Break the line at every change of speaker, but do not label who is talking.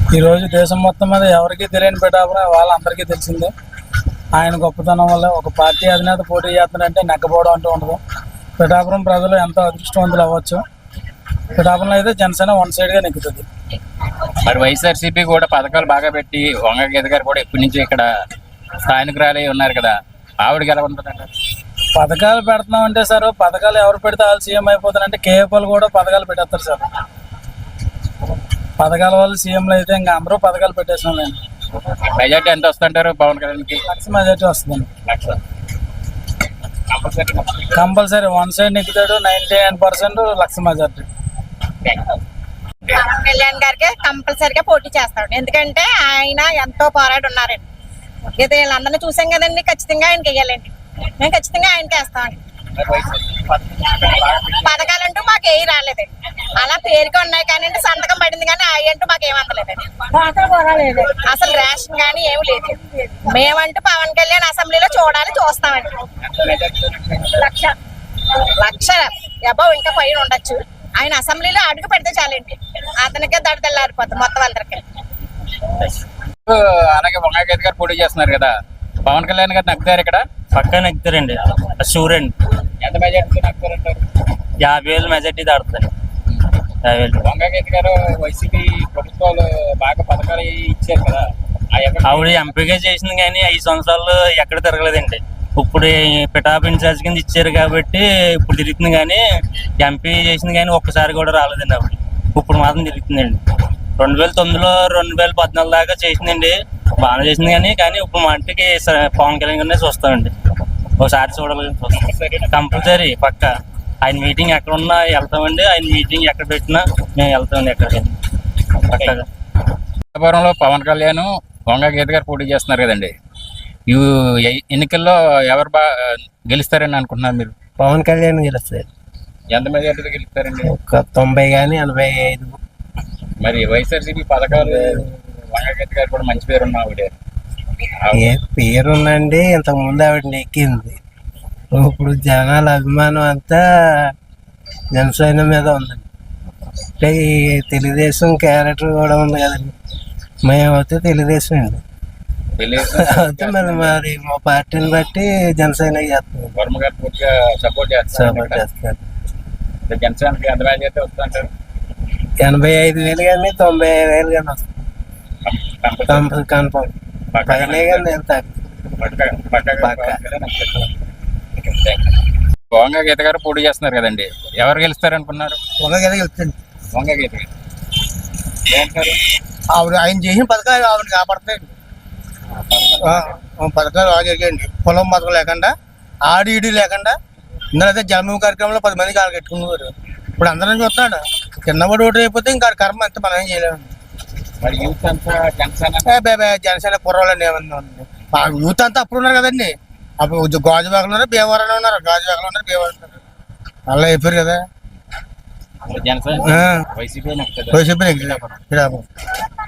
ఈరోజు దేశం మొత్తం మీద ఎవరికి తెలియని పిఠాపురం వాళ్ళందరికీ తెలిసిందే. ఆయన గొప్పతనం వల్ల ఒక పార్టీ అధినేత పోటీ చేస్తున్నారంటే నెగ్గపోవడం అంటూ ఉండదు. పిఠాపురం ప్రజలు ఎంతో అదృష్టవంతులు అవ్వచ్చు. పిఠాపురంలో అయితే జనసేన వన్ సైడ్గా నెగ్గుతుంది.
మరి వైఎస్ఆర్సీపీ కూడా పథకాలు బాగా పెట్టి వంగ గీత గారు కూడా ఎప్పటి నుంచి ఇక్కడ స్థానికురాలే ఉన్నారు కదా, ఆవిడకి ఎలా ఉంటుందంట?
పథకాలు పెడుతున్నామంటే సార్, పథకాలు ఎవరు పెడితే వాళ్ళు సీఎం అయిపోతారంటే కేఏపీలు కూడా పథకాలు పెట్టేస్తారు సార్. పథకాల వల్ల సీఎంలు అయితే ఇంకా అందరూ పథకాలు పెట్టేసినాం.
మెజార్టీ ఎంత వస్తుంటారు పవన్ కళ్యాణ్కి?
లక్ష మెజార్టీ వస్తుందండి. కంపల్సరీ వన్ సైడ్ నెగ్గుతాడు. 99% లక్ష మెజార్టీ.
పవన్ కళ్యాణ్ గారికి కంపల్సరీగా పోటీ చేస్తాడు. ఎందుకంటే ఆయన ఎంతో పోరాడు ఉన్నారండి. ఇది వీళ్ళందరినీ చూసాం కదండి. ఖచ్చితంగా ఆయనకి వెయ్యాలండి. మేము ఖచ్చితంగా ఆయనకి వేస్తామండి. పథకాలంటూ మాకు ఏవి రాలేదండి. అలా పేరుకి ఉన్నాయి కానీ సంతకం పడింది కానీ అవి అంటూ మాకు ఏమంతలేదండి. అసలు రేషన్ కానీ ఏమి లేదు. మేమంటూ పవన్ కళ్యాణ్ అసెంబ్లీలో చూస్తామండి. లక్ష అబ్బో ఇంకా పైన ఉండొచ్చు. ఆయన అసెంబ్లీలో అడుగు పెడితే చాలండి. అతనికే దడదల్లారిపోతుంది మొత్తం అందరికి.
అలాగే వంగ గీత గారు పోటీ చేస్తున్నారు కదా, పవన్ కళ్యాణ్ గారు నగ్గుతారు ఇక్కడ?
పక్కా నెగ్గుతారండి, షూర్ అండి.
ఎంత మెజార్టీ నగ్గుతారంటారు?
50,000 మెజార్టీ దాడుతుంది. 50,000.
వంగ గీత గారు వైసీపీ ప్రభుత్వాలు బాగా పథకాలు ఇచ్చారు కదా,
ఆవిడ ఎంపీగా చేసింది కానీ 5 సంవత్సరాలు ఎక్కడ తిరగలేదండి. ఇప్పుడు పిఠాపు ఇన్ఛార్జ్ కింద ఇచ్చారు కాబట్టి ఇప్పుడు తిరుగుతుంది కానీ ఎంపీ చేసింది కానీ ఒక్కసారి కూడా రాలేదండి ఆవిడ. ఇప్పుడు మాత్రం తిరుగుతుందండి. 2009లో 2014 దాకా చేసిందండి, బాగా చేసింది కానీ ఇప్పుడు మా ఇంటికి పవన్ కళ్యాణ్ గారినే చూస్తామండి. ఒకసారి చూడాలని చూస్తాం కంపల్సరీ పక్క. ఆయన మీటింగ్ ఎక్కడ ఉన్నా వెళ్తామండి. ఆయన మీటింగ్ ఎక్కడ పెట్టినా మేము వెళ్తామండి ఎక్కడికి పక్కగా.
పిఠాపురంలో పవన్ కళ్యాణ్ వంగ గీత గారు పోటీ చేస్తున్నారు కదండి, ఈ ఎన్నికల్లో ఎవరు గెలుస్తారని అనుకుంటున్నారు మీరు?
పవన్ కళ్యాణ్ గెలుస్తారు.
ఎంత మెజార్టీతో గెలుస్తారండి?
ఒక 90 కానీ 85.
మరి వైఎస్ఆర్సీపీ పథకాలు వంగ గీత గారు కూడా మంచి పేరు ఉన్న ఆవిడ.
ఏ పేరుందండి, ఇంతకు ముందు ఆవిడ నెక్కింది. ఇప్పుడు జనాల అభిమానం అంతా జనసేన మీద ఉందండి. అంటే ఈ తెలుగుదేశం క్యారెక్టర్ కూడా ఉంది కదండి. మేమైతే తెలుగుదేశం అండి. అయితే మరి మా పార్టీని బట్టి జనసేన చేస్తాం.
వర్మ గారు పూర్తిగా సపోర్ట్ చేస్తారు. జనసేనకి ఎంత మెజార్టీ వస్తుంటారు?
85,000 కానీ 90,000 కానీ వస్తుంది కన్ఫర్మ్. పైన కానీ ఎంత
వంగ గీత గారు పోటీ చేస్తున్నారు కదండి, ఎవరు గెలుస్తారు అనుకున్నారు?
వంగ గీత గెలుస్తుంది.
వంగ గీత గారు ఏమంటారు?
ఆవిడ ఆయన చేసిన పథకాలు ఆవిడ కాపాడతాయండి. పథకాలు బాగా జరిగాయండి. పొలం పథకం లేకుండా, ఆడి లేకుండా. ఇందులో అయితే జన్మభూమి కార్యక్రమంలో 10 మంది కాలు కట్టుకునేవారు. ఇప్పుడు అందరం చూస్తున్నాడు. కిందపడి ఓటు అయిపోతే ఇంకా కర్మ అంతా మనం ఏం చేయలేము.
మరి యూత్ అంతా
జనసేన కుర్రోళ్ళండి ఏమన్నా ఉంది. యూత్ అంతా అప్పుడు ఉన్నారు కదండి. అప్పుడు గాజువాకలు ఉన్నారు, భీమవరంలో ఉన్నారు. గాజువాకలు ఉన్నారు, భీమవరం ఉన్నారు. అలా అయిపోయారు కదా.
Janasena YCP
YCP